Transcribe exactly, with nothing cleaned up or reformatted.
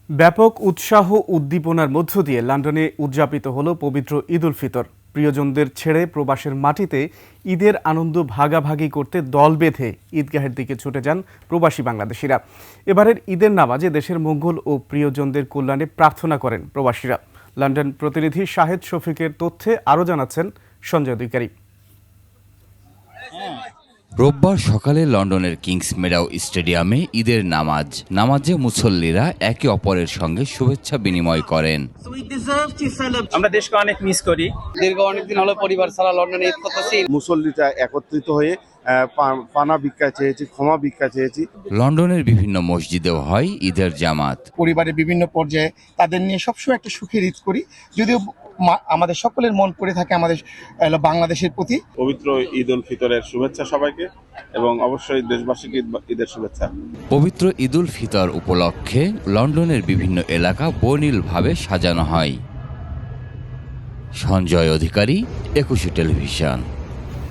ব্যাপক উৎসাহ উদ্দীপনার মধ্য দিয়ে লন্ডনে উদযাপিত হলো পবিত্র ঈদ উল ফিতর। প্রিয়জনদের ছেড়ে প্রবাসের মাটিতে ঈদের আনন্দ ভাগাভাগি করতে দল বেঁধে ঈদগাহের দিকে ছুটে যান প্রবাসী বাংলাদেশিরা। এবারের ঈদের নামাজে দেশের মঙ্গল ও প্রিয়জনদের কল্যাণে প্রার্থনা করেন প্রবাসীরা। লন্ডন প্রতিনিধি শাহেদ শফিকের তথ্যে আরও জানাচ্ছেন সঞ্জয় অধিকারী। রোববার সকালে লন্ডনের কিংস মেডাও স্টেডিয়ামে ঈদের নামাজ নামাজে মুসল্লিরা একে অপরের সঙ্গে শুভেচ্ছা বিনিময় করেন। আমরা দেশকে অনেক মিস করি। দীর্ঘ অনেকদিন হলো পরিবার ছাড়া লন্ডনে ঈদ করতেছি। মুসল্লিরা একত্রিত হয়ে পানা ভিক্ষা চেয়েছি, ক্ষমা ভিক্ষা চেয়েছি। লন্ডনের বিভিন্ন মসজিদেও হয় ঈদের জামাত। পরিবারের বিভিন্ন পর্যায়ে তাদের নিয়ে সবসময় একটা সুখের ঈদ করি, যদিও আমাদের সকলের মন পড়ে থাকে আমাদের বাংলাদেশের প্রতি। পবিত্র ঈদ উল ফিতরের শুভেচ্ছা সবাইকে, এবং অবশ্যই দেশবাসীকে ঈদের শুভেচ্ছা। পবিত্র ঈদ উল ফিতর উপলক্ষে লন্ডনের বিভিন্ন এলাকা বর্ণিলভাবে সাজানো হয়। সঞ্জয় অধিকারী, একুশে টেলিভিশন।